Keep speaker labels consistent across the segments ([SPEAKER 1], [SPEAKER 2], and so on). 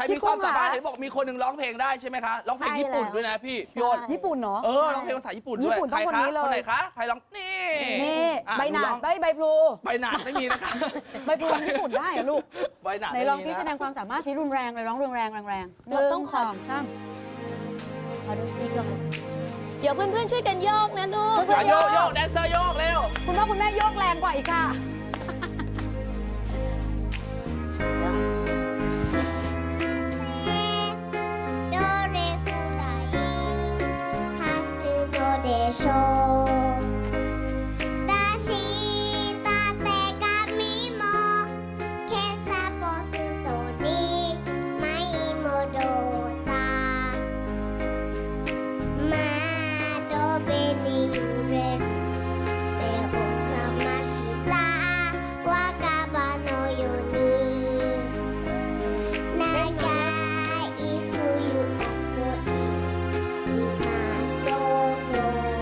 [SPEAKER 1] รมีความสามารถเห็นบอกมีคนหนึ่งร้องเพลงได้ใช่ไหมคะร้องเพลงญี่ปุ่นด้วยนะพี่โยน
[SPEAKER 2] ญี่ปุ่นเนาะ
[SPEAKER 1] ร้องเพลงภาษาญี่ปุ่นด้วย
[SPEAKER 2] ญี่ปุ่นต้องคนนี้เลย
[SPEAKER 1] คนไหนคะใครร้องนี่
[SPEAKER 2] ใบหนาดใบพลู
[SPEAKER 1] ใบหนาดไม่มีนะคะ
[SPEAKER 2] ใบพลูญี่ปุ่นได้เหรอลูก
[SPEAKER 1] ใบหนาด
[SPEAKER 2] ไหนลองที่แสดงความสามารถสีรุนแรงเลยร้องรุนแรงต้องขอซ้ำ
[SPEAKER 3] ขอดูอีกก่อนเดี๋ยวเพื่อนๆช่วยกันโยกนะลูก
[SPEAKER 1] โยกแดนเซอร์โยกเร็ว
[SPEAKER 2] คุณพ่อคุณแม่โยกแรงกว่าอีกค่ะ
[SPEAKER 4] โชだした手紙も今朝ポストに舞い戻った窓辺に揺れる目を覚ました若葉のように長い冬っぽい今どうぞ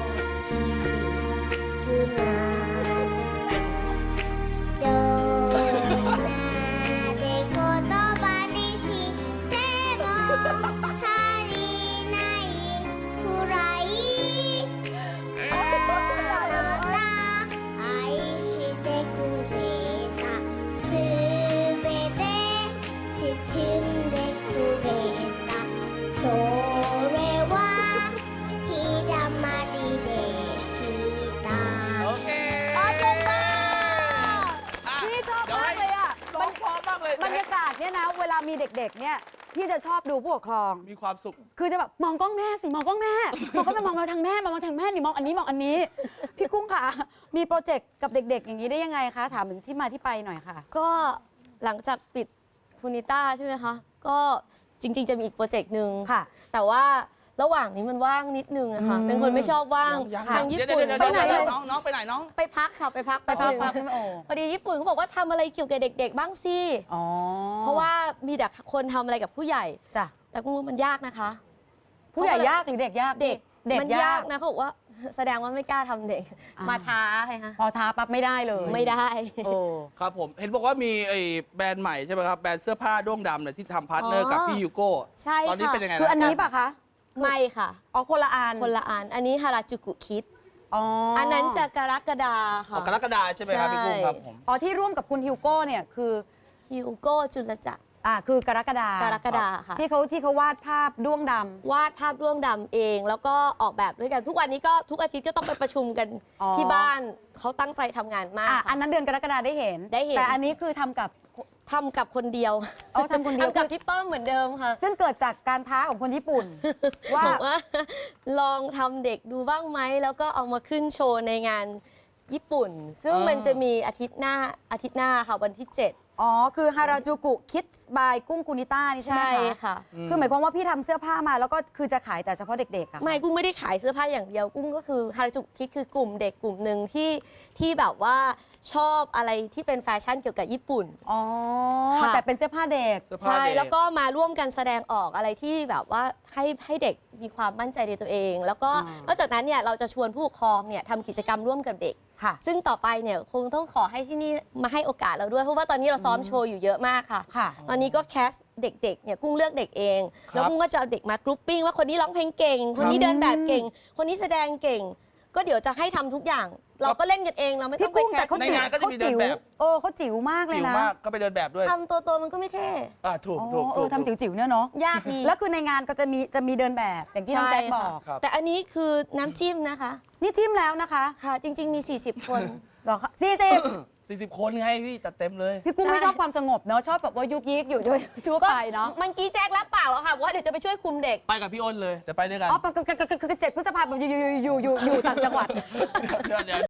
[SPEAKER 2] บรรยากาศเนี่ยนะเวลามีเด็กๆเนี่ยพี่จะชอบดูผู้ปกครอง
[SPEAKER 1] มีความสุข
[SPEAKER 2] คือจะแบบมองกล้องแม่สิมองกล้องแม่มองก็ไปมองมาทางแม่มองทางแม่นี่มองอันนี้มองอันนี้พี่กุ้งค่ะมีโปรเจกต์กับเด็กๆอย่างนี้ได้ยังไงคะถามถึงที่มาที่ไปหน่อยค่ะ
[SPEAKER 3] ก็หลังจากปิดคูนิต้าใช่ไหมคะก็จริงๆจะมีอีกโปรเจกต์หนึ่ง
[SPEAKER 2] ค่ะ
[SPEAKER 3] แต่ว่าระหว่างนี้มันว่างนิดนึงอะค่ะเป็นคนไม่ชอบว่างทางญี่ปุ่น
[SPEAKER 1] ไปไหนเลยน้องไปไหนน้อง
[SPEAKER 3] ไปพักค่ะไปพักพอดีญี่ปุ่นเขาบอกว่าทำอะไรเกี่ยวกับเด็กๆบ้างสิเพราะว่ามีแต่คนทำอะไรกับผู้ใหญ่
[SPEAKER 2] จ้ะ
[SPEAKER 3] แต่กุ้งมันยากนะคะ
[SPEAKER 2] ผู้ใหญ่ยากหรือเด็กยาก
[SPEAKER 3] เด็กมันยากนะเขาบอกว่าแสดงว่าไม่กล้าทำเด็กมาท้าไงคะ
[SPEAKER 2] พอท้าปั๊บไม่ได้เลย
[SPEAKER 3] ไม่ได้
[SPEAKER 1] ครับผมเห็นบอกว่ามีไอ้แบรนด์ใหม่ใช่ไหมครับแบรนด์เสื้อผ้าด้วงดำเนี่ยที่ทำพาร์ทเนอร์กับพี่ยูโก้
[SPEAKER 3] ใช่
[SPEAKER 1] ตอนนี้เป็นยังไง
[SPEAKER 2] คืออันนี้ป่ะคะ
[SPEAKER 3] ไม่ค่ะ
[SPEAKER 2] คนละอัน
[SPEAKER 3] อันนี้ฮาราจูกุคิดอันนั้นจะกรกฎาค่ะ
[SPEAKER 1] กรกฎาใช่ไหมครับพี่กุ้งครับผม
[SPEAKER 2] ที่ร่วมกับคุณฮิวโก้เนี่ยคือ
[SPEAKER 3] ฮิวโก้จุลจักร
[SPEAKER 2] คือกรกฎา
[SPEAKER 3] ค่ะ
[SPEAKER 2] ที่เขาวาดภาพด้วงดำ
[SPEAKER 3] วาดภาพด้วงดำเองแล้วก็ออกแบบด้วยกันทุกวันนี้ก็ทุกอาทิตย์ก็ต้องไปประชุมกันที่บ้านเขาตั้งใจทำงานมาก
[SPEAKER 2] อันนั้นเดือนกรกฎาได้เห็นแต่อันนี้คือทำกับ
[SPEAKER 3] คนเดียว
[SPEAKER 2] ทำคนเดียว
[SPEAKER 3] กับพี่ป้อมเหมือนเดิมค่ะ
[SPEAKER 2] ซึ่งเกิดจากการท้าของคนญี่ปุ่น
[SPEAKER 3] ว่าลองทำเด็กดูบ้างไหมแล้วก็เอามาขึ้นโชว์ในงานญี่ปุ่นซึ่งมันจะมีอาทิตย์หน้าค่ะวันที่7
[SPEAKER 2] คือฮาราจูกุคิดบายกุ้งกุนิต้านี่ใช่ไหมคะ
[SPEAKER 3] ใช่ค่ะ
[SPEAKER 2] คือหมายความว่าพี่ทำเสื้อผ้ามาแล้วก็คือจะขายแต่เฉพาะเด็กๆ
[SPEAKER 3] ไม่กุ้งไม่ได้ขายเสื้อผ้าอย่างเดียวกุ้งก็คือฮาราจูกุคิดคือกลุ่มเด็กกลุ่มหนึ่งที่แบบว่าชอบอะไรที่เป็นแฟชั่นเกี่ยวกับญี่ปุ่น
[SPEAKER 2] แต่เป็นเสื้อผ้าเด็ก
[SPEAKER 3] ใช่แล้วก็มาร่วมกันแสดงออกอะไรที่แบบว่าให้เด็กมีความมั่นใจในตัวเอง แล้วก็นอกจากนั้นเนี่ยเราจะชวนผู้ปกครองเนี่ยทำกิจกรรมร่วมกับเด็กซึ่งต่อไปเนี่ยคงต้องขอให้ที่นี่มาให้โอกาสเราด้วยเพราะว่าตอนนี้เราซ้อมโชว์อยู่เยอะมากค่ะตอนนี้ก็แคสเด็กๆเนี่ยกุ้งเลือกเด็กเองแล้วกุ้งก็จะเอาเด็กมากรุ๊ปปิ้งว่าคนนี้ร้องเพลงเก่งคนนี้เดินแบบเก่งคนนี้แสดงเก่งก็เดี๋ยวจะให้ทำทุกอย่างเราก็เล่นกันเองเราไม่ต้องไปแข่
[SPEAKER 1] งในงานก็จะมีเดินแบบ
[SPEAKER 2] เขาจิ๋วมากเลยนะ
[SPEAKER 1] ก็ไปเดินแบบด้วย
[SPEAKER 3] ทำตัวมันก็ไม่เท่
[SPEAKER 1] ถูก
[SPEAKER 2] ทำจิ๋วๆเนี่ยเนาะ
[SPEAKER 3] ยากดี
[SPEAKER 2] แล้วคือในงานก็จะมีเดินแบบอย่างที่น้องแจ๊คบอก
[SPEAKER 3] แต่อันนี้คือน้ำจิ้มนะคะ
[SPEAKER 2] นี่จิ้มแล้วนะคะ
[SPEAKER 3] ค่ะจริงๆมี40 คน
[SPEAKER 2] หรอคะ
[SPEAKER 1] 40 คนไงพี่จัดเต็มเลย
[SPEAKER 2] พี่กุ้งไม่ชอบความสงบเนาะชอบแบบว่ายุกยิกอยู่ด้วยทั่วไปเนาะ
[SPEAKER 3] มันกี้แจ๊ครับปากแล้วค่ะว่าเดี๋ยวจะไปช่วยคุมเด็ก
[SPEAKER 1] ไปกับพี่อ้นเลยเดี๋ยวไปด้วยกัน
[SPEAKER 2] 7 พฤษภาคมอยู่ต่างจังหวัด